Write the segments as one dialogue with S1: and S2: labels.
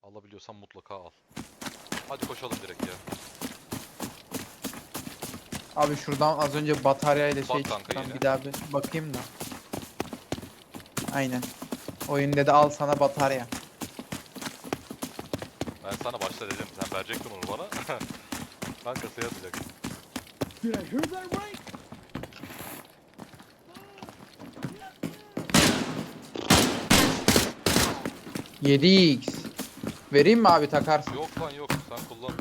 S1: Alabiliyorsan mutlaka al. Hadi koşalım direkt ya.
S2: Abi şuradan az önce bataryayla şey
S1: Bak kanka
S2: çıktı.
S1: yine.
S2: Bir daha bir bakayım da. Aynen. Oyun dedi al sana batarya.
S1: Ben sana başta dedim. Sen verecektin onu bana. Ben kasaya atacaktım.
S3: Did I hear that right?
S2: $7x. Vereyim mi abi takarsın?
S1: Yok lan yok. Sen kullan.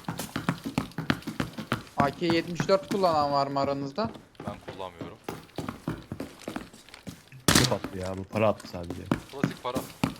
S2: AK-74 kullanan var mı aranızda?
S1: Ben kullanmıyorum.
S4: Çok attı ya, bu para attı sadece.
S1: Klasik para.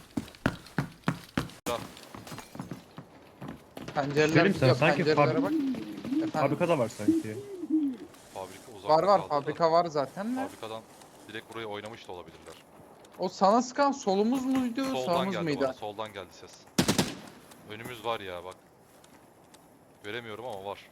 S2: Pencereler
S4: Söyleyeyim sana,
S2: yok.
S4: sanki
S2: Pencerelere bak. Efendim.
S4: Fabrikada var sanki.
S1: Fabrika uzakta
S2: Var
S1: kaldı da.
S2: fabrika var zaten de.
S1: Fabrikadan direkt buraya oynamış da olabilirler.
S2: O sana sıkan solumuz muydu
S1: Soldan
S2: sağımız
S1: geldi
S2: mıydı?
S1: bana. Soldan geldi ses. Önümüz var ya bak. Göremiyorum ama var.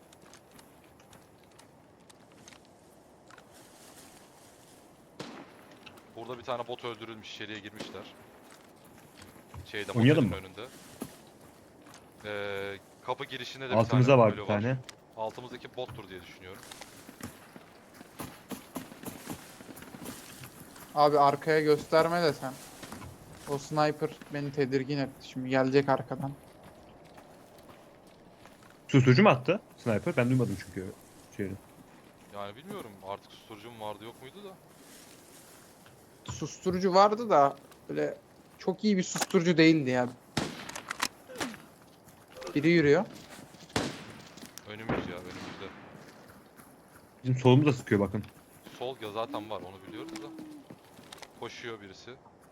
S1: Burada bir tane bot öldürülmüş, içeriye girmişler. Şeyde
S4: Oynayalım
S1: motelin önünde. Kapı girişinde de
S4: Altımızda
S1: bir tane
S4: var
S1: ölü
S4: bir tane.
S1: Altımızdaki bottur diye düşünüyorum.
S2: Abi arkaya gösterme de sen. O sniper beni tedirgin etti. Şimdi gelecek arkadan.
S4: Susturucu mu attı sniper? Ben duymadım çünkü şeyi.
S1: Yani bilmiyorum artık susturucum vardı yok muydu da.
S2: Susturucu vardı da böyle çok iyi bir susturucu değildi ya. Biri yürüyor.
S1: Önümüz ya önümüzde.
S4: Bizim solumuz da sıkıyor bakın.
S1: Sol ya zaten var onu biliyoruz da. Koşuyor birisi.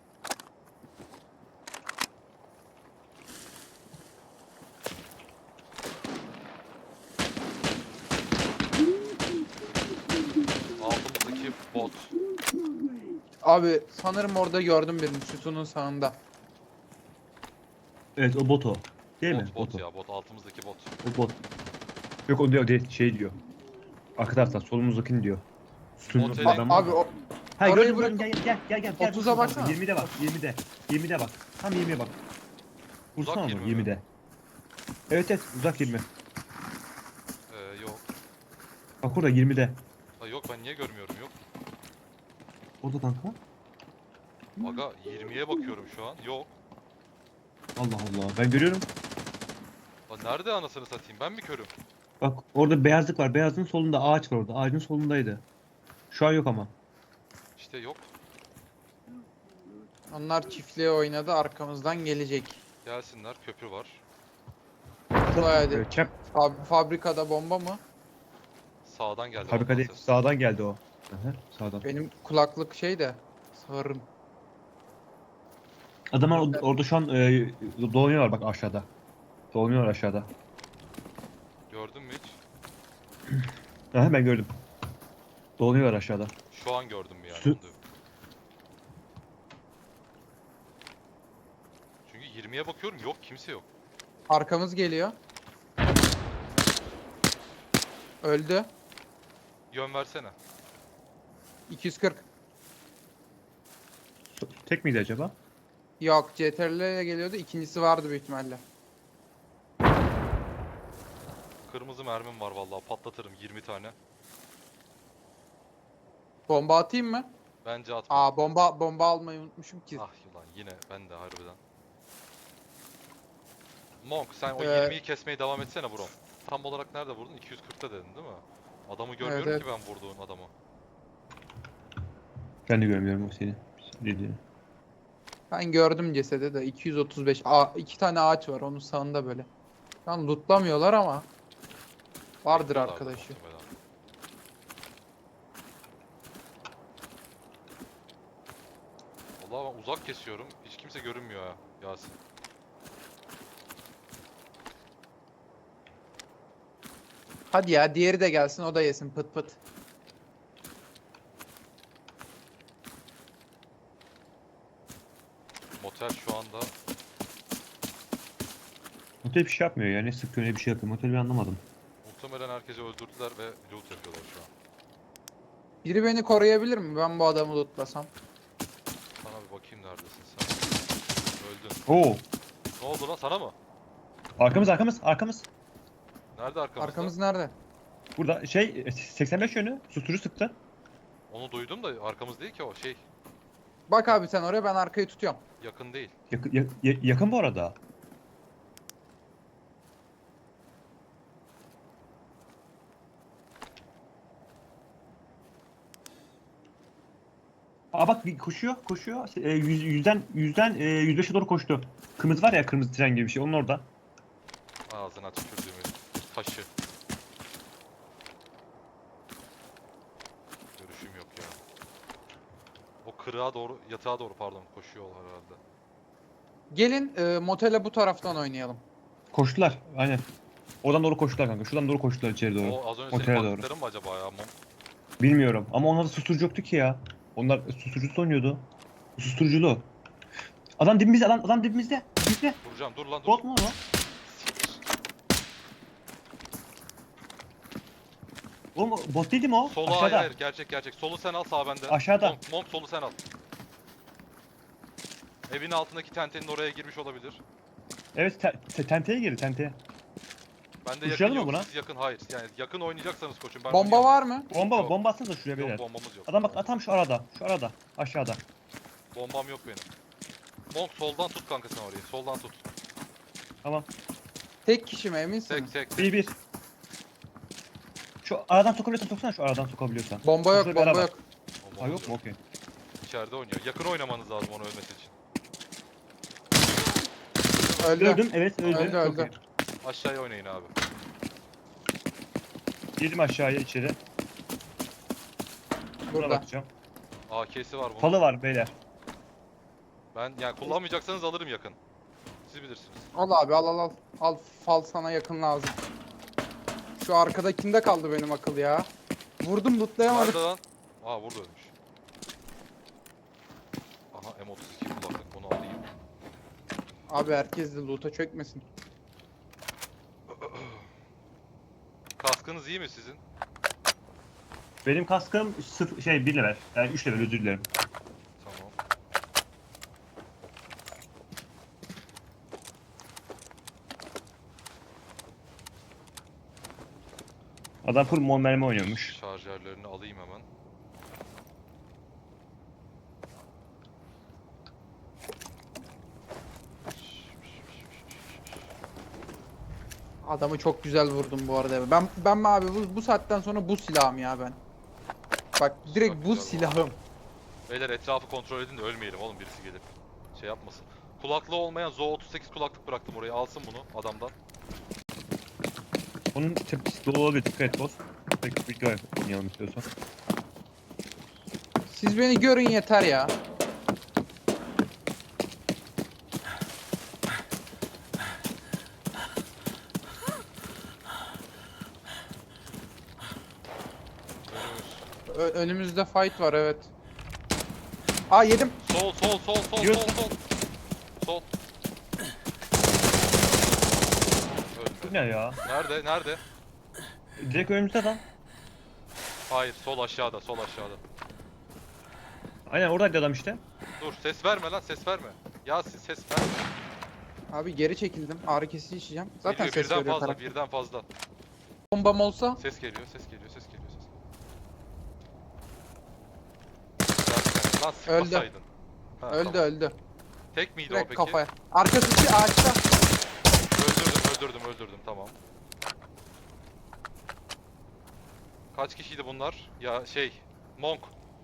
S1: Altımızdaki bot.
S2: Abi sanırım orada gördüm birini sütunun sağında.
S4: Evet, o bot o. Değil mi?
S1: Bot
S4: o.
S1: ya bot altımızdaki bot.
S4: O bot. Yok, o diyor, şey diyor. Arka taraftan solumuzdakini diyor. Sütunun
S1: Otelin-
S4: adam var.
S2: Abi o
S4: Hayır,
S2: orayı
S4: gördüm,
S2: bırak-
S4: gel gel gel gel.
S2: 30'a baksana.
S4: 20'de bak, 20'de. 20'de bak. Tam 20'ye bak.
S1: Uzak
S4: Vursana
S1: 20
S4: onu
S1: mi?
S4: 20'de. Evet evet, uzak 20.
S1: Yok.
S4: Bak orada 20'de.
S1: Ha, yok ben niye görmüyorum yok.
S4: Orada kanka.
S1: Aga 20'ye bakıyorum şu an. Yok.
S4: Allah Allah, ben görüyorum.
S1: Lan nerede anasını satayım ben mi körüm?
S4: Bak orada beyazlık var. Beyazın solunda ağaç var orada. Ağacın solundaydı. Şu an yok ama.
S1: İşte yok.
S2: onlar çiftliğe oynadı arkamızdan gelecek.
S1: Gelsinler köprü var.
S2: Hadi.
S4: Çap
S2: Fabrikada bomba mı?
S1: Sağdan geldi.
S4: fabrika
S1: ondan
S4: değil.
S1: ses.
S4: Sağdan geldi o. Aha, sağdan.
S2: Benim kulaklık şey de sağırım.
S4: Adamlar orada şu an dolanıyorlar bak aşağıda. Dolanıyorlar aşağıda.
S1: Gördün mü hiç?
S4: Aha, ben gördüm. Dolanıyorlar aşağıda.
S1: Şu an gördüm yani.
S4: Sü-
S1: onu diyorum. Çünkü 20'ye bakıyorum yok kimse yok.
S2: Arkamız geliyor. Öldü.
S1: Yön versene.
S2: 240.
S4: Tek miydi acaba?
S2: Yok CTRL ile geliyordu. İkincisi vardı büyük ihtimalle.
S1: Kırmızı mermim var vallahi patlatırım 20 tane.
S2: Bomba atayım mı?
S1: Bence atma.
S2: Aa bomba almayı unutmuşum ki.
S1: Ah ulan yine ben de harbiden. Monk sen o
S2: Ee,
S1: 20'yi kesmeye devam etsene bro. Tam olarak nerede vurdun? 240'ta dedin değil mi? Adamı görmüyorum
S2: evet.
S1: ki ben vurduğun adamı.
S4: Ben de görmüyorum o seni. Dediğini.
S2: Ben gördüm cesede de 235. İki tane ağaç var onun sağında böyle. Şu an lootlamıyorlar ama vardır
S1: Bekliyorlardı
S2: arkadaşı.
S1: muhtemelen. Vallahi ben uzak kesiyorum. Hiç kimse görünmüyor ya Yasin.
S2: Hadi ya diğeri de gelsin o da yesin pıt pıt.
S1: Motel şu anda
S4: Motel bir şey yapmıyor yani. Sıkıyor ne bir şey yapıyor. Motel bir anlamadım.
S1: muhtemelen herkesi öldürdüler ve loot yapıyorlar şu an.
S2: Biri beni koruyabilir mi? Ben bu adamı lootlasam.
S1: Sana bir bakayım neredesin sen. Öldün.
S4: Oo.
S1: Ne oldu lan, sana mı?
S4: Arkamız.
S1: Nerede arkamızda?
S2: Arkamız nerede?
S4: Burada 85 yönü susturucu sıktı.
S1: Onu duydum da arkamız değil ki o şey.
S2: Bak abi sen oraya, ben arkayı tutuyorum.
S1: Yakın değil.
S4: Yakın bu arada. Aa bak koşuyor. 105'e doğru koştu. Kırmızı var ya, kırmızı tren gibi bir şey, onun orada.
S1: Ağzına tükürdüğümün taşı. Görüşüm yok ya. O kırığa doğru, yatağa doğru pardon koşuyorlar herhalde.
S2: Gelin motele bu taraftan oynayalım.
S4: Koştular aynen. Oradan doğru koştular kanka. Şuradan doğru koştular içeri doğru.
S1: O az önce
S4: Otele
S1: senin
S4: doğru.
S1: baktıkların mı acaba ya?
S4: Bilmiyorum ama onlarda susturucu yoktu ki ya. Onlar susturucu oynuyordu. Susturuculu. Adam dibimizde, adam dibimizde. Dibimizde.
S1: Vuracağım, dur lan dur.
S4: Bot mu o? Oğlum bot değil mi o?
S1: Solu
S4: Aşağıda.
S1: hayır gerçek. Solu sen al, sağ bende.
S4: Aşağıda.
S1: Monk solu sen al. Evin altındaki tentenin oraya girmiş olabilir.
S4: Evet tenteye girdi tenteye.
S1: Bende yakın
S4: Uçuralım mı
S1: yok,
S4: buna?
S1: siz yakın hayır. Yani yakın oynayacaksanız koçum ben
S2: Bomba
S1: oynayamam.
S2: var mı?
S4: Bomba
S1: Yok.
S4: atsanıza şuraya
S1: Yok
S4: beyler.
S1: bombamız yok.
S4: Adam bak tam şu arada aşağıda.
S1: Bombam yok benim. Monk soldan tut kanka sen orayı. Soldan tut.
S4: Tamam.
S2: Tek kişi mi, eminsiniz?
S1: Tek.
S4: Bir. Şu aradan sokabiliyorsan soksana, şu aradan sokabiliyorsan.
S2: Bomba yok,
S4: Şurada bir
S2: bomba
S4: araba.
S2: yok.
S1: Bombamız
S4: Ha yok mu? Okey.
S1: İçeride oynuyor. Yakın oynamanız lazım onu ölmesi için.
S2: Öldü.
S4: Öldüm, evet öldü.
S2: Öldü,
S4: Çok
S2: öldü.
S4: iyi.
S1: Aşağıya oynayın abi.
S4: Girdim aşağıya içeri. Buna
S2: Burada.
S4: bakacağım.
S1: AK'si var bunun.
S4: Falı var beyler.
S1: Ben yani kullanmayacaksanız alırım yakın. Siz bilirsiniz.
S2: Al abi, al. Al, fal sana yakın lazım. Şu arkadakinde kaldı benim akıl ya. Vurdum, lootlayamadım.
S1: Nerede lan? Aa burada ölmüş. Aha M32 kullandık, bunu alayım.
S2: Abi herkes de loot'a çökmesin.
S1: Kaskınız iyi mi sizin?
S4: Benim kaskım 1 level. Yani 3 level, özür dilerim.
S1: Tamam.
S4: Adam full mon mermi oynuyormuş.
S1: Şarjörlerini alayım hemen.
S2: Adamı çok güzel vurdum bu arada. Ben mi abi bu saatten sonra bu silahım ya ben. Bak direkt
S1: Çok
S2: bu
S1: güzel
S2: silahım.
S1: Beyler etrafı kontrol edin de ölmeyelim oğlum, birisi gelip şey yapmasın. Kulaklığı olmayan Zo 38 kulaklık bıraktım oraya, alsın bunu adamdan.
S4: Onun tepkisi dolu olabilir, dikkat et boss. Peki video oynayalım istiyorsan.
S2: Siz beni görün yeter ya.
S1: Önümüz.
S2: Önümüzde fight var, evet. Aa, yedim.
S1: Sol.
S4: Yiyorsun.
S1: Sol.
S4: Bu
S1: Öldü.
S4: ne ya?
S1: Nerede?
S4: Direkt önümüzde adam.
S1: Hayır, sol aşağıda.
S4: Aynen oradaydı adam işte.
S1: Dur, ses verme lan, ses verme. Ya siz ses verme.
S2: Abi geri çekildim. Ağrı kesici içeceğim. Zaten
S1: Geliyor,
S2: ses veriyor taraf.
S1: birden fazla.
S2: Bombam olsa
S1: Ses geliyor. Lan
S2: Öldü.
S1: sıkmasaydın. Ha,
S2: öldü
S1: tamam.
S2: öldü.
S1: Tek miydi o
S2: Direkt
S1: peki?
S2: kafaya. Arkası ağaçta.
S1: Öldürdüm tamam. Kaç kişiydi bunlar? Ya Monk.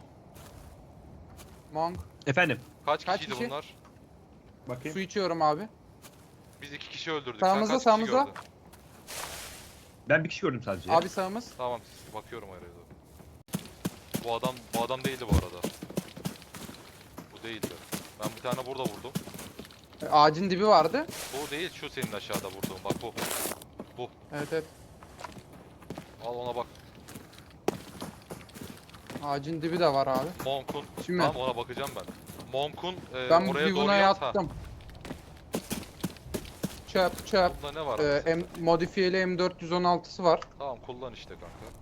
S2: Monk.
S4: Efendim.
S1: Kaç
S2: Kaç
S1: kişiydi
S2: kişi?
S1: bunlar?
S4: Bakayım.
S2: Su içiyorum abi.
S1: Biz 2 kişi öldürdük.
S2: Sağımızda,
S1: Sen kaç
S2: sağımızda.
S1: kişi gördün?
S4: Ben bir kişi gördüm sadece.
S2: Abi sağımız.
S1: Tamam, bakıyorum araya doğru. Bu adam değildi bu arada. Bu değildi. Ben bir tane burada vurdum.
S2: Ağacın dibi vardı.
S1: Bu değil, şu senin aşağıda vurduğun. Bak bu.
S2: Evet.
S1: Al ona bak.
S2: Ağacın dibi de var abi.
S1: Monk'un.
S2: Şimdi-
S1: Tamam, ona bakacağım ben. Monk'un
S2: Ben
S1: oraya
S2: bir
S1: doğru
S2: buna
S1: yat. Ha.
S2: yattım. Çöp.
S1: Bunda ne var? mesela?
S2: Modifiyeli M416'sı var.
S1: Tamam, kullan işte kanka.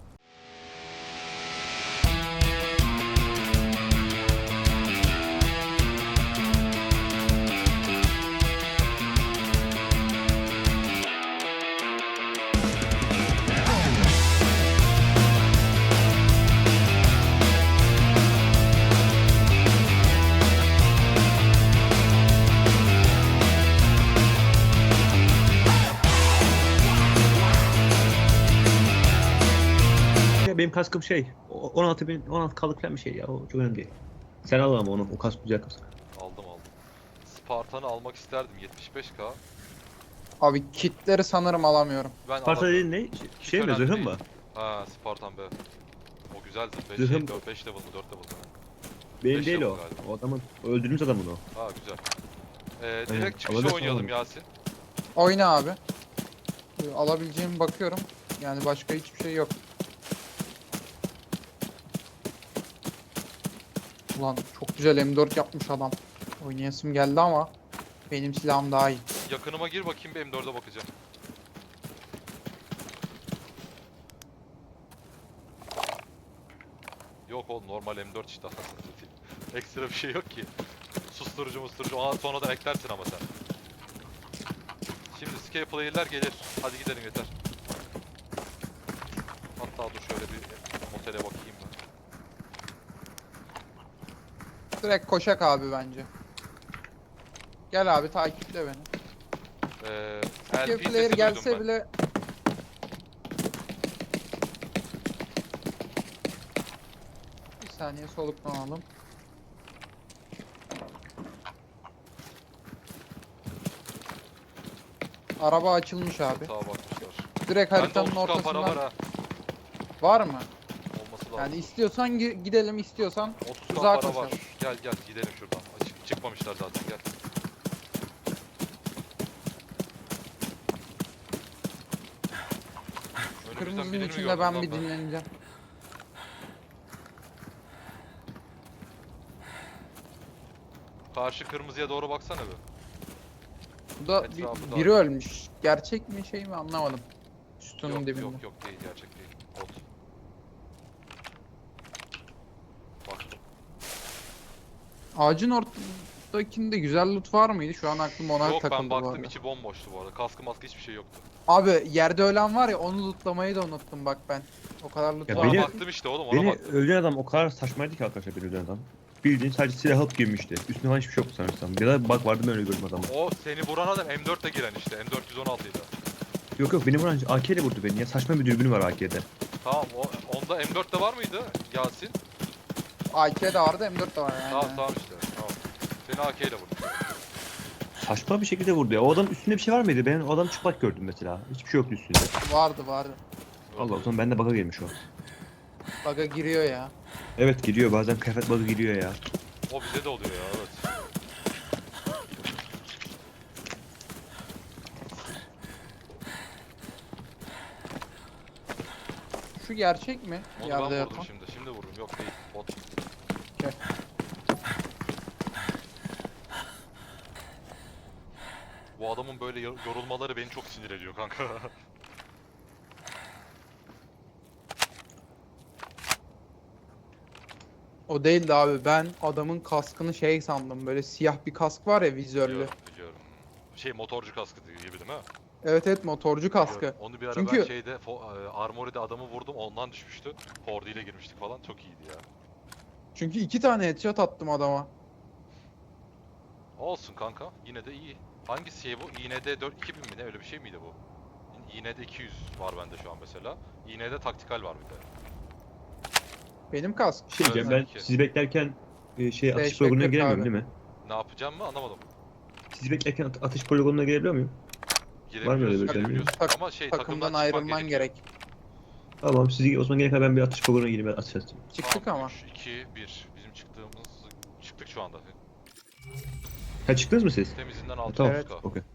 S4: benim kaskım şey. 16 kalık falan bir şey ya. O çok önemli değil. Sen al ama onu. O kask güzel kask.
S1: Aldım. Spartan'ı almak isterdim 75k.
S2: Abi kitleri sanırım alamıyorum.
S1: Ben
S4: Sparta
S1: alamıyorum.
S4: dediğin ne? Şey mi?
S1: önemli
S4: Zırhın
S1: değil.
S4: mı?
S1: Ha Spartan be. O güzeldi. 5
S4: Zırhım-
S1: 5 level mı 4 level mı?
S4: Benim
S1: Beş
S4: değil
S1: level
S4: o.
S1: galiba.
S4: O adamın. O öldürdüğümüz adamın o.
S1: Ha güzel.
S4: Aynen,
S1: Direkt çıkışta
S4: alabilirsin
S1: oynayalım
S4: oğlum.
S1: Yasin.
S2: Oyna abi. Alabileceğimi bakıyorum. Yani başka hiçbir şey yok. Ulan çok güzel M4 yapmış adam. Oynayasım geldi ama benim silahım daha iyi.
S1: Yakınıma gir bakayım bir M4'e bakacağım. Yok oğlum normal M4 işte anasını satayım. Ekstra bir şey yok ki. Susturucu musturucu sonradan eklersin ama sen. Şimdi scale player'ler gelir. Hadi gidelim yeter. Hatta dur şöyle bir motele bakayım ben.
S2: Direkt koşak abi bence. Gel abi takiple beni.
S1: LP
S2: Skip player
S1: sesi
S2: gelse
S1: duydum ben.
S2: bile bir saniye soluklanalım. Araba açılmış abi.
S1: Sağa bakmışlar.
S2: Direkt
S1: Bende
S2: haritanın
S1: 30k para var
S2: ortasından
S1: ha.
S2: var mı?
S1: Olması lazım.
S2: Yani istiyorsan gidelim, istiyorsan
S1: 30k
S2: uzağa
S1: para
S2: koşalım.
S1: var. Gel gidelim şuradan. Çıkmamışlar zaten gel. Önümüzden
S2: Kırmızının
S1: birini mi
S2: içinde
S1: gördüm
S2: ben
S1: lan
S2: bir dinleneceğim.
S1: Karşı kırmızıya doğru baksana bir.
S2: Bu da
S1: Etrafı da-
S2: biri ölmüş. Gerçek mi şey mi anlamadım. Sütunun
S1: Yok
S2: dibinde.
S1: yok değil gerçek değil. Bot. Baktım.
S2: Ağacın ortasındakinde güzel loot var mıydı? Şu an aklım ona
S1: Yok
S2: takıldı
S1: ben
S2: bu
S1: baktım
S2: arada.
S1: içi bomboştu bu arada. Kaskı maskı hiçbir şey yoktu.
S2: Abi yerde ölen var ya onu lootlamayı da unuttum bak ben. O kadar loot
S4: Ya
S2: var.
S1: Ona
S4: beni-
S1: baktım işte oğlum ona
S4: Beni
S1: baktım.
S4: öldüren adam o kadar saçmaydı ki arkadaşlar beni öldüren adam. Bildiğin sadece silah alıp girmişti. Üstüne falan hiçbir şey yoktu sanırsam. Ya da bak vardı ben öyle gördüm adamı.
S1: O seni vuran adam M4'le giren işte. M416 idi.
S4: Yok beni vuran AK ile vurdu beni ya. Saçma bir dürbünü var AK'de.
S1: Tamam onda M4'te var mıydı Yasin?
S2: AK de vardı M4 de var yani.
S1: Tamam işte. Tamam. Seni AK ile vurdu.
S4: Saçma bir şekilde vurdu ya. O adamın üstünde bir şey var mıydı? Ben o adamı çıplak gördüm mesela. Hiçbir şey yoktu üstünde.
S2: Vardı.
S4: Allah o zaman bende bug'a girmiş o.
S2: Baga giriyor ya.
S4: Evet giriyor bazen kıyafet bug'ı giriyor ya.
S1: O bize de oluyor ya evet.
S2: Şu gerçek mi?
S1: Onu
S2: Yerde
S1: ben vurdum
S2: yatan.
S1: şimdi. Şimdi vurdum. Yok değil. Bot.
S2: Okey.
S1: Bu adamın böyle yorulmaları beni çok sinir ediyor kanka.
S2: O değildi abi. Ben adamın kaskını şey sandım. Böyle siyah bir kask var ya vizörlü.
S1: Biliyorum. Şey motorcu kaskı gibi değil mi?
S2: Evet motorcu kaskı.
S1: Biliyorum. Onu bir ara
S2: Çünkü-
S1: ben şeyde Armory'de adamı vurdum ondan düşmüştü. Fordi ile girmiştik falan çok iyiydi ya.
S2: Çünkü 2 tane headshot attım adama.
S1: Olsun kanka yine de iyi. Hangisi şey bu? İğne'de 2000 mi ne öyle bir şey miydi bu? İğne'de 200 var bende şu an mesela. İğne'de taktikal var bir de.
S2: Benim kask.
S4: Şey diyeceğim ben
S1: Peki.
S4: sizi beklerken atış
S2: Teşekkür
S4: poligonuna giremiyorum
S2: abi.
S4: değil mi?
S1: Ne yapacağım mı anlamadım.
S4: Sizi beklerken atış poligonuna girebiliyor muyum? Var mı öyle bir şey?
S1: Girebiliyorsun.
S2: Tak-
S1: Ama şey
S2: Takımdan
S1: takımdan
S2: ayrılman
S1: çıkman
S2: gerek.
S4: Tamam sizi o zaman gerek ben bir atış poligonuna gireyim ben atış atayım.
S2: Çıktık ama.
S1: 3, 2, 1. Bizim çıktığımız... Çıktık şu anda.
S4: Ha çıktınız mı siz?
S1: Temizinden 6
S4: Tamam
S2: Evet.
S4: okey.